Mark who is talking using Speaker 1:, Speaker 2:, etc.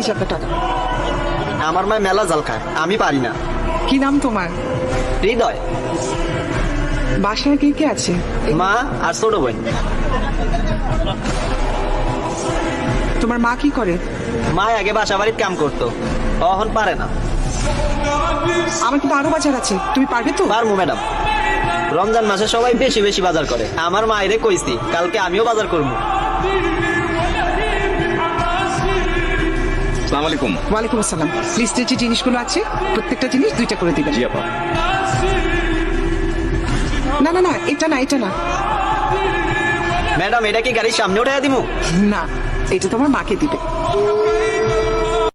Speaker 1: যে আপনার টাকা।
Speaker 2: আমার মায় মেলা জাল খায়, আমি পারি না।
Speaker 1: কি নাম তোমার?
Speaker 2: হৃদয়।
Speaker 1: বাসায় কে কে আছে?
Speaker 2: মা আর ছোট বোন।
Speaker 1: তোমার মা কি করে?
Speaker 2: মা আগে বাসা বাড়ির কাম করতো, এখন পারে না।
Speaker 1: আমার কিন্তু আরো বাজার আছে, তুমি পারবে তো?
Speaker 2: পারবো ম্যাডাম। রমজান মাসে সবাই বেশি বেশি বাজার করে, আমার মায়েরে কইছি কালকে আমিও বাজার করবো।
Speaker 3: আসসালামু আলাইকুম।
Speaker 1: ওয়ালাইকুম আসসালাম। লিস্টে যে জিনিসগুলো আছে প্রত্যেকটা জিনিস 2টা করে দিবেন।
Speaker 3: জি আপা।
Speaker 1: না না না, এটা না, এটা না।
Speaker 2: ম্যাডাম এটা কি গাড়ির সামনে উঠে দিমু?
Speaker 1: না, এটা তোমার মাকে দিবে।